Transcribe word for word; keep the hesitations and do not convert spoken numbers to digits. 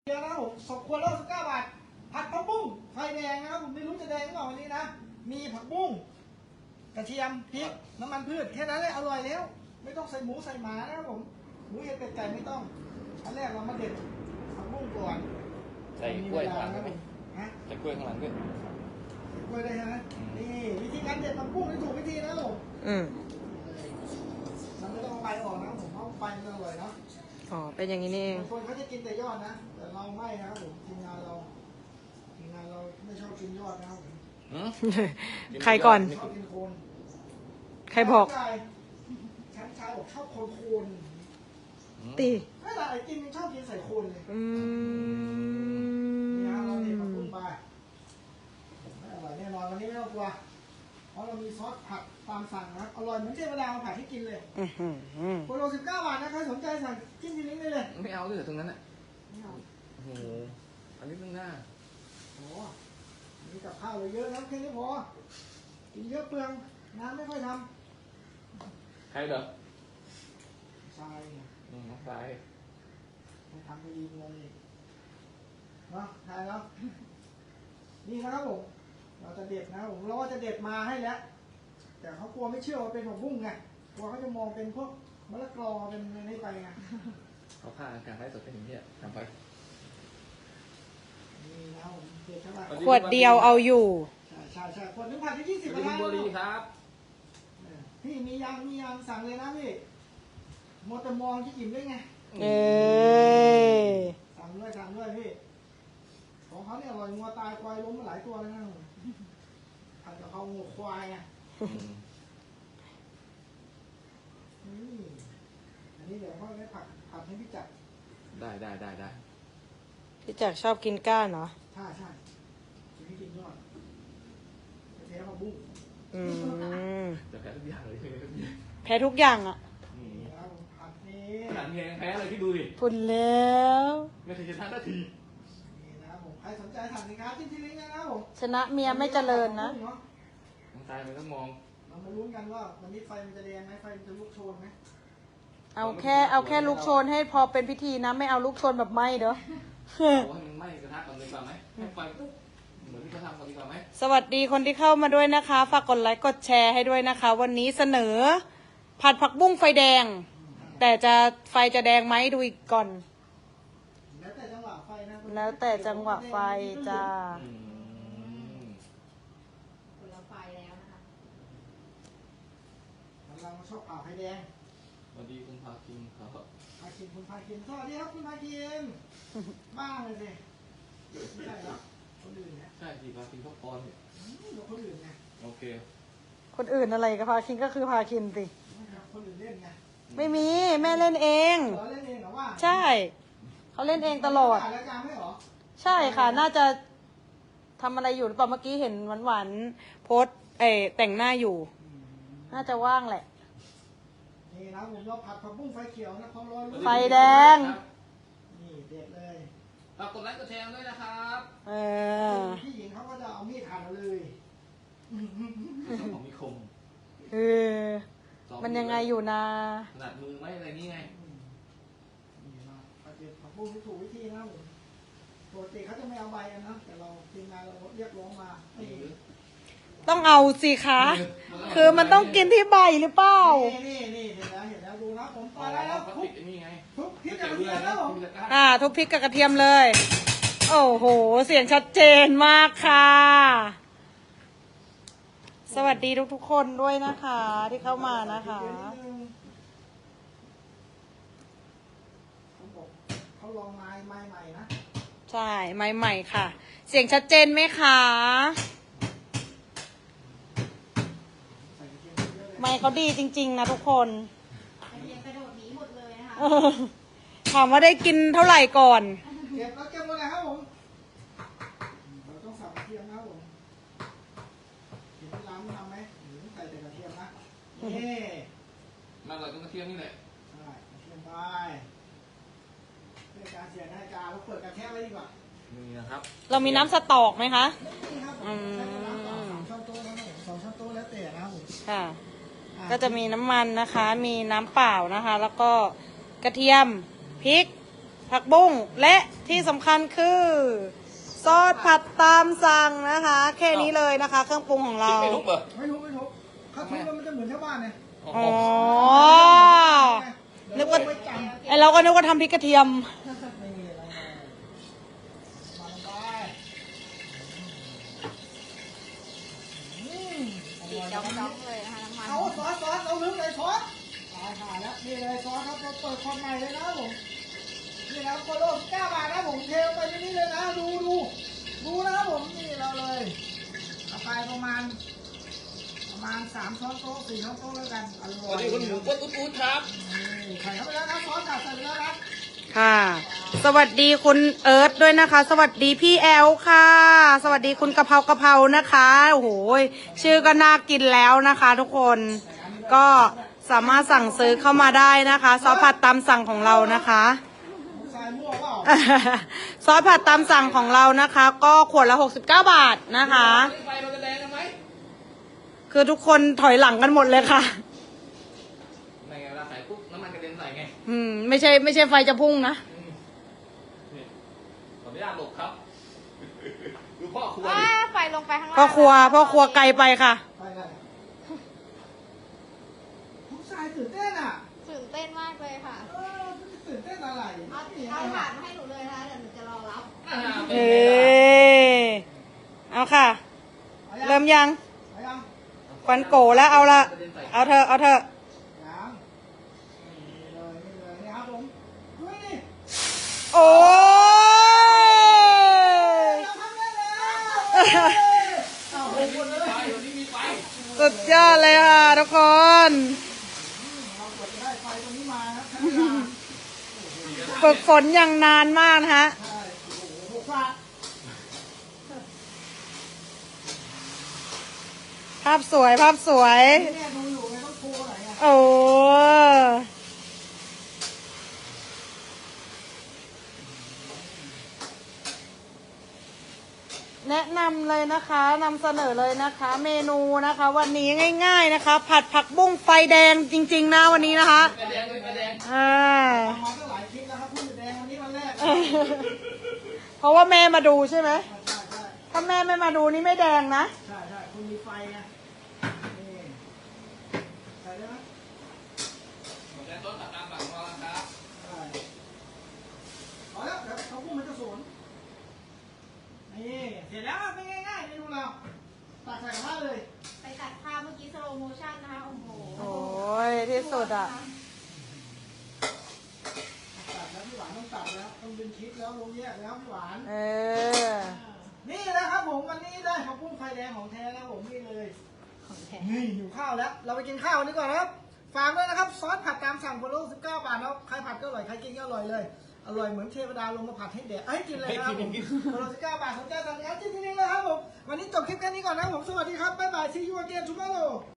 เดี๋ยวนะผมสองขวดละสิบเก้าบาทผัดผักบุ้งไฟแดงนะครับผมไม่รู้จะแดงหรือเปล่าวันนี้นะมีผักบุ้งกระเทียมพริกน้ำมันพืชแค่นั้นเลยอร่อยแล้วไม่ต้องใส่หมูใส่หมานะครับผมหมูเห็ดเป็ดไก่ไม่ต้องอันแรกเรามาเด็ดผักบุ้งก่อนใส่กล้วยข้างหลังด้วยฮะใส่กล้วยข้างหลังด้วยกล้วยได้ใช่ไหมนี่วิธีการเด็ดผักบุ้งที่ถูกวิธีนะครับผมอืมมันไม่ต้องเอาใบออกนะผมเพราะใบมันอร่อยเนาะอ๋อเป็นอย่างนี้นี่เองบางคนเขาจะกินแต่ยอดนะแต่เราไม่นะครับผมทีมงานเราทีมงานเราไม่ชอบกินยอดนะครับผมใครก่อนชอบกินโคนใครบอกฉันชายบอกชอบโคนโคนตีไม่ละไอ้กินชอบกินใส่โคนเลยอืมนี่ฮะเราเด็ดผักบุ้งไปไม่อร่อยแน่นอนวันนี้ไม่ต้องกลัวเพราะเรามีซอสผัดตามสั่งนะอร่อยเหมือนเจ๊เวลาเราผัดให้กินเลยโคโลสิบเก้าบาทนะใครสนใจสั่งจิ้มที่ลิงก์ได้เลยไม่เอาด้วยตรงนั้นอ่ะไม่เอาโอ้โหอันนี้ตั้งหน้าโอ้มีกับข้าวเลยเยอะนะแค่นี้พอกินเยอะเปลืองน้ำไม่ค่อยทำใครเหรอใช่อืมใครไม่ทำไม่ดีงงอีกเนาะใช่แล้วนี่นะครับผมเราจะเด็ดนะครับผมเราว่าจะเด็ดมาให้แล้วแต่เขากลัวไม่เชื่อว่าเป็นผักบุ้งไงกลัวเขาจะมองเป็นพวกมะละกอเป็นอะไรไปไงเขาพาอากาศให้สดเป็นอย่างนี้ทำไปนี่นะครับผมเด็ดเท่าไหร่ขวดเดียวเอาอยู่ใช่ใช่ใช่ขวดหนึ่งพันที่ยี่สิบบาทบุรีครับพี่มียางมียางสั่งเลยนะพี่มอเตอร์มองที่อิ่มด้วยไงเออสั่งด้วยสั่งด้วยพี่ของเขาเนี่ยอร่อยงัวตายควายล้มมาหลายตัวแล้วนะผัดกับเขางัวควายอ่ะอันนี้เดี๋ยวเขาได้ผัดผัดให้พี่จักรได้ได้ได้ได้พี่จักรชอบกินก้านเหรอใช่ใช่จะให้กินยอดแพ้ผักบุ้งอืมจะแพ้ทุกอย่างเลยแพ้ทุกอย่างอ่ะผัดนี้ขนาดแพงแพ้เลยที่ดูดิพุ่นแล้วไม่เคยจะทานนาทีนี่นะครับผมใครสนใจสั่งสินค้าที่ที่ลิงก์นะครับผมชนะเมียไม่เจริญนะต้องตายมันต้องมองเรามาลุ้นกันว่าวันนี้ไฟมันจะแดงไหมไฟมันจะลุกโชนไหมเอาแค่เอาแค่ลูกโชนให้พอเป็นพิธีนะไม่เอาลูกโชนแบบไหม้เด้อเอาให้มันไหม้กระทะก่อนดีกว่าไหมให้ไฟปุ๊บเหมือนที่เขาทำก่อนดีกว่าไหมสวัสดีคนที่เข้ามาด้วยนะคะฝากกดไลค์กดแชร์ให้ด้วยนะคะ วันนี้เสนอผัดผักบุ้งไฟแดงแต่จะไฟจะแดงไหมดูอีกก่อนแล้วแต่จังหวะไฟนะแล้วแต่จังหวะไฟจ้าคนละไฟแล้วนะคะเราชอบผ่าไฟแดงสวัสดีคุณพาคินครับพาคินคุณพาคินสวัสดีครับคุณพาคินบ้าเลยสิไม่ใช่หรอคนอื่นเนี่ยใช่สิพาคินเขาปอนเนี่ยคนอื่นไงโอเคคนอื่นอะไรกับพาคินก็คือพาคินสิคนอื่นเล่นไงไม่มีแม่เล่นเองเล่นเองเหรอว่าใช่เขาเล่นเองตลอดใช่ค่ะน่าจะทำอะไรอยู่หรือเปล่าเมื่อกี้เห็นหวานๆโพสเอแต่งหน้าอยู่น่าจะว่างแหละนี่นะผมเราผัดผักบุ้งไฟเขียวนะความร้อนไฟแดงนี่เด็ดเลยฝากกดไลค์กดแชร์ด้วยนะครับเออพี่หญิงเขาก็จะเอามีดหั่นเลยของมีคมเออมันยังไงอยู่นะขนาดมือไม่อะไรนี่ไงนี่นะผัดผักบุ้งที่ถูกวิธีนะผมปกติเขาจะไม่เอาใบกันนะแต่เราทีมงานเราเรียกร้องมาต้องเอาสิคะคือมันต้องกินที่ใบหรือเปล่านี่นี่เห็นแล้วเห็นแล้วดูนะผมไปแล้วทุบนี่ไงทุบพริกกับกระเทียมแล้วผมอ่าทุบพริกกับกระเทียมเลยโอ้โหเสียงชัดเจนมากค่ะสวัสดีทุกๆคนด้วยนะคะที่เข้ามานะคะเขาลองไม้ไม้ใหม่นะใช่ไม้ใหม่ค่ะเสียงชัดเจนไหมคะไม้เขาดีจริงๆนะทุกคนกระโดดหนีหมดเลยนะคะถามว่าได้กินเท่าไหร่ก่อนเก็บแล้วเก็บหมดเลยครับผมเราต้องสับกระเทียมนะครับผมเห็นที่ร้านทำไหมหรือใส่แต่กระเทียมนะนี่มาเลยต้องกระเทียมนี่แหละใช่กระเทียมไปเพื่อการเสียนาฬิกาเราเปิดกระเทียมไว้ดีกว่านี่นะครับเรามีน้ำสต๊อกไหมคะนี่ครับผมใช้น้ำสองช้อนโต๊ะนะผมสองช้อนโต๊ะแล้วแต่นะครับผมค่ะก็จะมีน้ำมันนะคะมีน้ำเปล่านะคะแล้วก็กระเทียมพริกผักบุ้งและที่สำคัญคือซอสผัดตามสั่งนะคะ แค่นี้เลยนะคะ เครื่องปรุงของเราไม่ทุบเหรอไม่ทุบไม่ทุบถ้าทุบแล้วมันจะเหมือนชาวบ้านไงอ๋อ นึนึกว่าไม่จำไอเราก็นึกว่าทำพริกกระเทียมนี่อะไรมามาลงไปอืมอร่อยจ้นะองๆเลยนะคะน้ำมันเอาซอสซอสเอาลึกเลยซอสตายหาแล้วนี่เลยซอสครับเราเปิดความใหม่เลยนะครับผมนี่นะครับโคโลเก้าบาทนะผมเทลงไปที่นี่เลยนะดูดูดูนะครับผมนี่เราเลยเอาไปประมาณ ประมาณสามช้อนโต๊ะสี่ช้อนโต๊ะแล้วกันอร่สอยวัสดีคุณหมูปุ๊ดอุ๊ดอุ๊ดครับนี่ใส่เข้าไปแล้วนะซอสตัดใส่ไปแล้วนะค่ะ สวัสดีคุณเอิร์ธด้วยนะคะ สวัสดีพี่แอลค่ะ สวัสดีคุณกะเพรากะเพรานะคะโอ้โหชื่อก็น่ากินแล้วนะคะ ทุกคนก็สามารถสั่งซื้อเข้ามาได้นะคะซอสผัดตามสั่งของเรานะคะใส่มั่วเปล่าซอสผัดตามสั่งของเรานะคะ ก็ขวดละหกสิบเก้าบาทนะคะไฟเราจะแดงกันไหมคือทุกคนถอยหลังกันหมดเลยค่ะไม่ไงเวลาใส่ปุ๊บน้ำมันกระเด็นใส่ไงอืมไม่ใช่ไม่ใช่ไฟจะพุ่งนะนี่ขออนุญาตหลบครับ ดูพ่อครัวอ่าดิไฟลงไปข้างล่างพ่อครัวพ่อครัวไกลไปค่ะไปเลยทุกสายตื่นเต้นอ่ะตื่นเต้นมากเลยค่ะเออตื่นเต้นอะไรเอาเอาถาดมาให้หนูเลยนะคะเดี๋ยวหนูจะรอรับอ่าเอเอาค่ะ เริ่มยังเอายังควันโกแล้วเอาละเอาเธอะเอาเธอะยังนี่เลยนี่เลยนี่ครับผมดูนี่โอ้ยเราทำได้แล้วเอาไปหมดเลยไฟวันนี้มีไฟสุดยอดเลยค่ะทุกคนเรากดจะได้ไฟตรงนี้มาครับใช้เวลาฝึกฝนอย่างนานมากนะคะใช่โอ้โหหกฟาดภาพสวยภาพสวยนี่เนี่ยดูอยู่ไงต้องโทรไหนอ่ะโอ้แนะนำเลยนะคะนำเสนอเลยนะคะ เมนูนะคะ วันนี้ง่าย ๆนะคะ ผัดผักบุ้งไฟแดงจริง ๆ นะวันนี้นะคะไฟแดงเลยไฟแดงอ่าทำมาตั้งหลายคลิปแล้วครับพูดแดงวันนี้วันแรกเพราะว่าแม่มาดูใช่ไหมใช่ใช่ถ้าแม่ไม่มาดูนี่ไม่แดงนะใช่ใช่คุณมีไฟไงนี่ใส่ได้ไหมหมดแล้วต้นผัดตามสั่งของเราแล้วครับใช่เอาแล้วเดี๋ยวเขาพูดมันจะสวนนี่เสร็จแล้วเป็นง่ายๆเมนูเราตักใส่กระทะเลยไปตัดภาพเมื่อกี้สโลโมชั่นนะคะ โอ้โหโอ้ยที่สุดอ่ะตัดแล้วพี่หวานต้องตัดแล้วต้องดึงคลิปแล้วลงแยกแล้วพี่หวานเออนี่นะครับผมวันนี้ได้ข้าวปุ้งไฟแดงของแท้แล้วผมนี่เลยของแท้นี่หิวข้าวแล้ว เราไปกินข้าวกันดีกว่านะครับ ฝากด้วยนะครับซอสผัดตามสั่งโคโลสิบเก้าบาทแล้วใครผัดก็อร่อยใครกินก็อร่อยเลย อร่อยเหมือนเทวดาลงมาผัดให้แดกให้กินเลยนะครับผมโคโลสิบเก้าบาทสนใจสั่งแอดที่นี่เลยครับผมวันนี้จบคลิปแค่นี้ก่อนนะครับผมสวัสดีครับบ๊ายบายซียูอเกนทูมอร์โร